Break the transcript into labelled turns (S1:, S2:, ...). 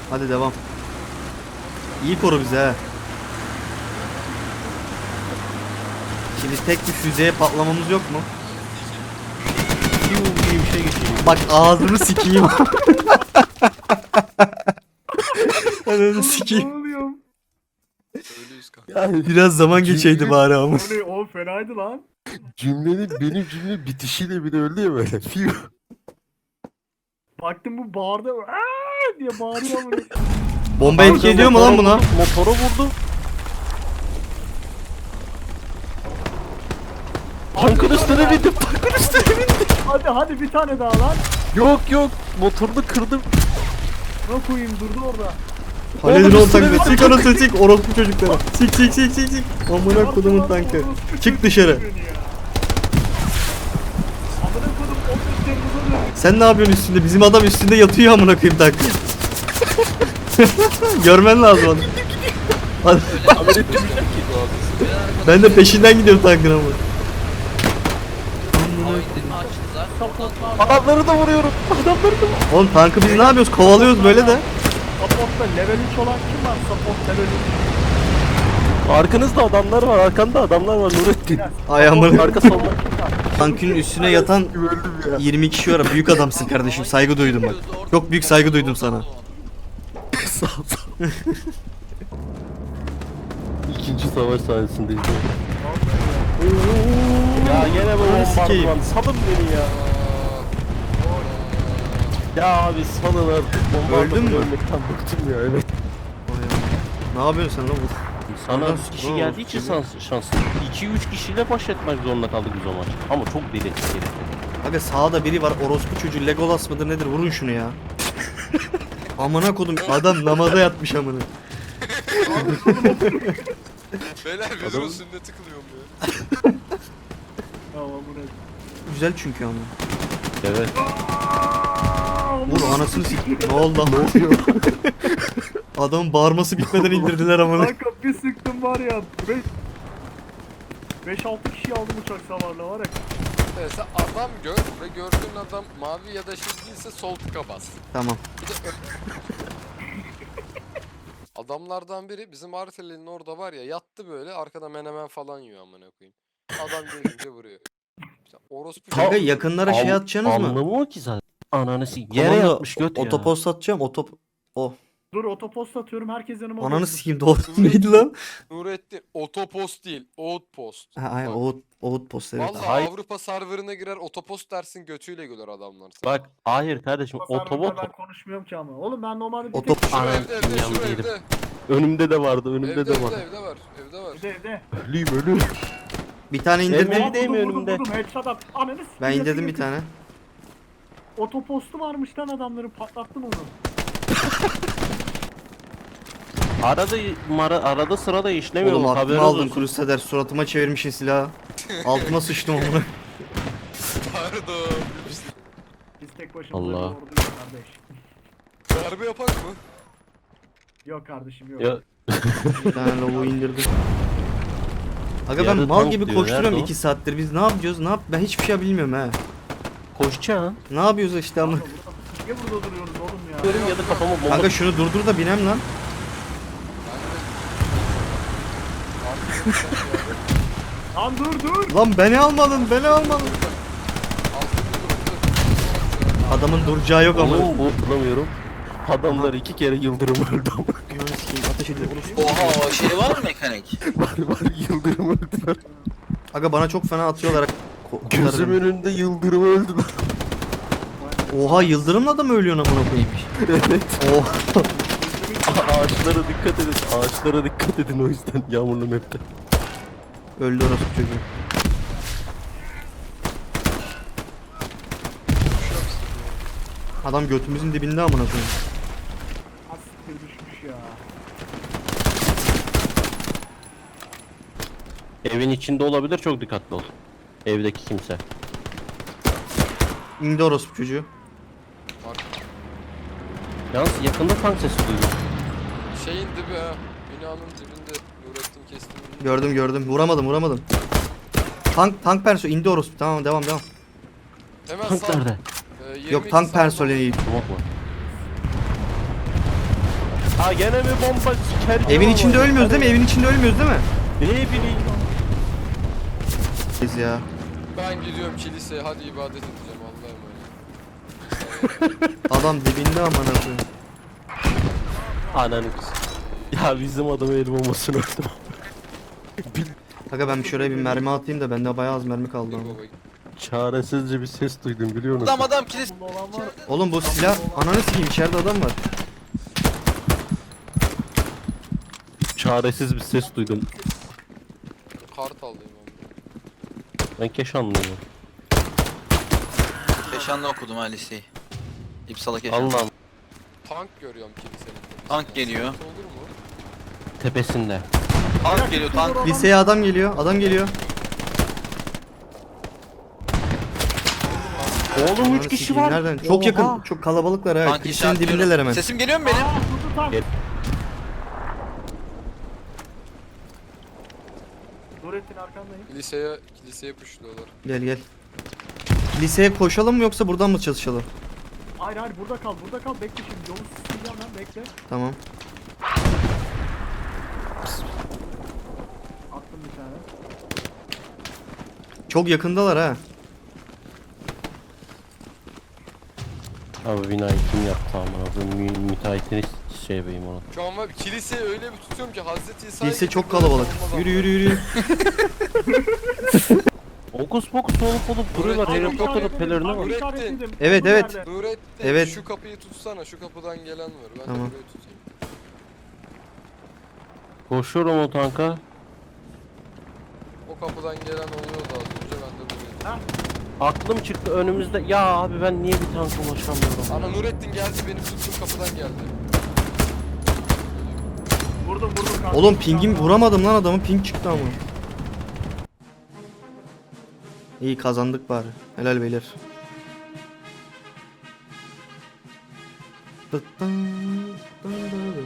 S1: Hadi devam. İyi koru bize he. Şimdi tek bir füzeye patlamamız yok mu?
S2: Piu diye bir şey geçiyor.
S1: Bak ağzını sikeyim. Ananı sikeyim.
S3: Ne oluyor?
S4: Öyleyiz kanka.
S2: Yani
S1: Biraz zaman geçeydi bari ama.
S3: O ne? O fenaydı lan.
S2: benim cümle bitişiyle bile öldü ya böyle. Piu.
S3: Baktım bu bağırdı. Aa diye bağırıyor ama.
S1: Bomba etki ediyor mu lan buna?
S2: Motora vurdu. Tankın üstüne bindim. Tankın üstüne bindim.
S3: Hadi bir tane daha lan.
S2: Yok. Motorunu kırdım.
S3: Ne koyayım durdu orada.
S1: Halil'in
S2: Oğlum
S1: o
S2: üstüne
S1: tankı.
S2: bir
S1: Sik anasını sik. Orospu çocukları. Sik. Amına kodumun tankı. Çık dışarı.
S3: Amına kodum o üstlerimize dönüyor.
S1: Sen ne yapıyorsun üstünde? Bizim adam üstünde yatıyor amına koyayım tankı. Görmen lazım onu. Hadi. Ben de peşinden gidiyorum tankın ama.
S2: Adamları da vuruyorum.
S1: Oğlum tankı biz ne yapıyoruz? Kovalıyoruz böyle de.
S3: Support'ta level 3 olan kim var? Support level 3.
S2: Arkanızda adamlar var. Arkanda adamlar var Nurettin.
S1: Ay amına.
S2: Arka solda.
S1: Tankın üstüne yatan
S2: Öldüm ya.
S1: 20 kişi var. Büyük adamsın kardeşim. Saygı duydum bak. Çok büyük saygı duydum sana.
S2: Sağ ol. İkinci savaş sahnesindeyiz. Ya gene bu
S1: sikeyim.
S2: bombardıman. Salın beni ya. Ya abi salın artık.
S1: Öldün mü?
S2: Ölmekten bıktım ya evet.
S1: Ne yapıyorsun sen lan bu?
S2: Sana
S1: Oradan
S2: 3 kişi
S1: doğru
S2: geldiği için şanslı. 2-3 kişiyle baş etmek zorunda kaldık biz o maç. Ama çok deli herif.
S1: Aga sağda biri var. Orospu çocuğu Legolas mıdır nedir? Vurun şunu ya. Amına kodum adam namaza yatmış amına.
S4: Beyler bizim sünneti kılıyorum ya.
S3: Tamam bu ne?
S1: Güzel çünkü ama.
S2: Evet.
S1: Vur anasını sik. Ne oldu lan? Ne oluyor? Adamın bağırması bitmeden indirdiler amına.
S3: Kanka bir sıktım var ya. 5-6 kişi aldım uçak savarla var ya.
S4: Evet, sen adam gör ve gördüğün adam mavi ya da yeşil değilse sol tıka bas.
S1: Tamam.
S4: Bir de adamlardan biri bizim Arteli'nin orada var ya yattı böyle arkada menemen falan yiyor amına koyayım. Adam görünce vuruyor. İşte orospu
S1: Kanka yakınlara şey atacaksınız mı?
S2: Anlamı o ki zaten. Ananı sik. Yere
S1: Komando,
S2: yatmış göt ya.
S1: Otopost atacağım. O.
S3: Dur otopost atıyorum herkes yanıma
S1: Ananı
S3: koysun.
S1: sikeyim doğru. Neydi lan?
S4: Nurettin otopost değil outpost.
S1: Ha aynen
S4: Bak,
S1: Outpost evet.
S4: vallahi
S2: Hayır.
S4: Avrupa serverına girer otopost dersin götüyle güler adamlar.
S2: Bak hayır kardeşim otobot
S3: Ben konuşmuyorum ki ama. Oğlum ben normalde bir
S1: Otop-
S3: tek...
S4: Şu
S2: Anam,
S4: evde
S2: yan
S4: şu
S2: değilim.
S4: evde.
S2: önümde de vardı önümde
S4: Evde
S2: de var.
S4: evde var. Evde var.
S3: Evde.
S2: Ölüyüm.
S1: Bir tane indirdim.
S2: Evde değil mi önümde?
S3: Vurdum headshot at. Ananı sikeyim,
S1: Ben indirdim
S3: yakın,
S1: bir tane.
S3: Otopostu varmış lan adamların patlattım onu.
S2: Arada sırada işlemiyor
S1: Oğlum
S2: mu?
S1: aklımı
S2: Haberin
S1: aldın
S2: olsun.
S1: Crusader. Suratıma çevirmişsin silahı. Altıma sıçtım amına.
S4: Pardon.
S3: Biz tek başımıza
S2: Allah.
S3: bir orduyuz kardeş.
S4: Darbe yapak mı?
S3: Yok kardeşim yok.
S2: Ya,
S1: Bir tane lobo indirdim. Aga ben
S2: Yarı
S1: mal
S2: tank
S1: gibi
S2: diyor,
S1: koşturuyorum
S2: nerede o?
S1: 2 saattir. Biz ne yapacağız? Ben hiçbir şey bilmiyorum ha.
S2: koşacaksın.
S1: Ne yapıyoruz işte ama.
S3: Niye burada duruyoruz oğlum ya?
S2: Diyorum ya da kafama bomba.
S1: Kanka şunu durdur da binem lan.
S3: Lan dur.
S1: Lan beni almadın. Adamın duracağı yok ama.
S2: Oğlum bu bulamıyorum. Adamlar 2 kere yıldırım öldü ama.
S1: Ananı sikeyim, ateş ediyor.
S5: Oha o şey var mı mekanik?
S2: var yıldırım öldüler.
S1: Aga bana çok fena atıyorlar.
S2: Gözüm önünde yıldırım öldü.
S1: Oha yıldırımla da mı ölüyorsun amına koyayım?
S2: Evet.
S1: Oh.
S2: Ağaçlara dikkat edin. Ağaçlara dikkat edin o yüzden yağmurlu map'te.
S1: Öldü orası çocuğu. Adam götümüzün dibinde amına koyayım.
S3: Asiktir düşmüş ya.
S2: Evin içinde olabilir çok dikkatli ol. Evdeki kimse.
S1: İndi orası çocuğu.
S2: Yalnız yakında tank sesi duydum.
S4: Şeyin dibi ha. Binanın dibinde Nurettin kestim.
S1: Gördüm. Vuramadım. Tank perso indi orası. Tamam devam.
S4: Hemen
S2: Tank
S4: sağ.
S2: nerede?
S4: 22
S1: Yok tank
S4: sağ-
S1: personeli.
S2: Tamam mı? Ha gene mi bomba siker?
S1: Evin içinde ölmüyoruz değil mi? Evin içinde ölmüyoruz değil mi?
S2: Ne bileyim.
S1: Biz ya.
S4: Ben gidiyorum kiliseye hadi ibadet edeceğim Allah'a emanet.
S1: Adam dibinde amına koyayım.
S2: Ananı. Ya bizim adamı el bombasını öldüm.
S1: Aga ben şuraya bir mermi atayım da bende bayağı az mermi kaldı
S4: Dur
S1: ama.
S4: baba.
S2: Çaresizce bir ses duydum biliyor musun?
S5: Adam kilis.
S3: Bunda olan var.
S1: Oğlum bu silah ananı sikeyim içeride adam var.
S2: Çaresiz bir ses duydum.
S4: Kart alayım abi.
S2: Ben Keşanlıyım.
S5: Keşan'da okudum ha liseyi. İpsala Keşan.
S2: Allah'ım
S4: Tank görüyorum kilisenin.
S5: Tank geliyor.
S4: Olur mu?
S2: tepesinde.
S5: Tank geliyor tank.
S1: Liseye adam geliyor. Adam geliyor.
S2: Oğlum
S1: Ananı
S2: 3 kişi
S1: sikeyim,
S2: var.
S1: nereden? Çok
S2: Oha.
S1: yakın. Çok kalabalıklar ha.
S5: Tank
S1: Kilisenin
S5: işaretliyorum.
S1: dibindeler hemen.
S5: Sesim geliyor mu benim?
S3: Aa kutu tank.
S2: Gel.
S3: Nurettin arkandayım.
S4: Kiliseye puşluyorlar.
S1: Gel gel. Kiliseye koşalım mı yoksa buradan mı çalışalım?
S3: Hayır hayır burada kal bekle şimdi yolu süsleyeceğim ben bekle.
S1: Tamam.
S3: Attım bir tane.
S1: Çok yakındalar ha.
S2: Abi binayı kim yaptı amına koyayım? Müteahhitini şey yapayım onu.
S4: Şu an var kiliseyi öyle bir tutuyorum ki Hazreti İsa'ya
S1: Kilise çok
S4: gidip böyle
S1: kalabalık.
S4: bomba
S1: Yürü yürü yürü.
S2: Okus pokus olup duruyorlar.
S4: Nurettin,
S2: Harry Potter'ın
S3: İşaretledim,
S2: pelerine
S3: tank
S2: bak.
S3: işaretledim.
S1: Evet,
S3: Olduğu
S1: evet.
S3: yerde.
S4: Nurettin
S1: Evet.
S4: şu kapıyı tutsana şu kapıdan gelen var. Ben
S1: Tamam.
S4: de burayı tutayım.
S2: Koşuyorum o tanka.
S4: O kapıdan gelen oluyordu az önce ben de burayı.
S2: Aklım çıktı önümüzde. Ya abi ben niye bir tanka ulaşamıyorum?
S4: Ana Nurettin geldi benim tuttuğum kapıdan geldi.
S3: Vurdum kanka.
S1: Oğlum pingim vuramadım lan adamı. Ping çıktı ama. İyi kazandık bari. Helal beyler. Tıttın, tıttın.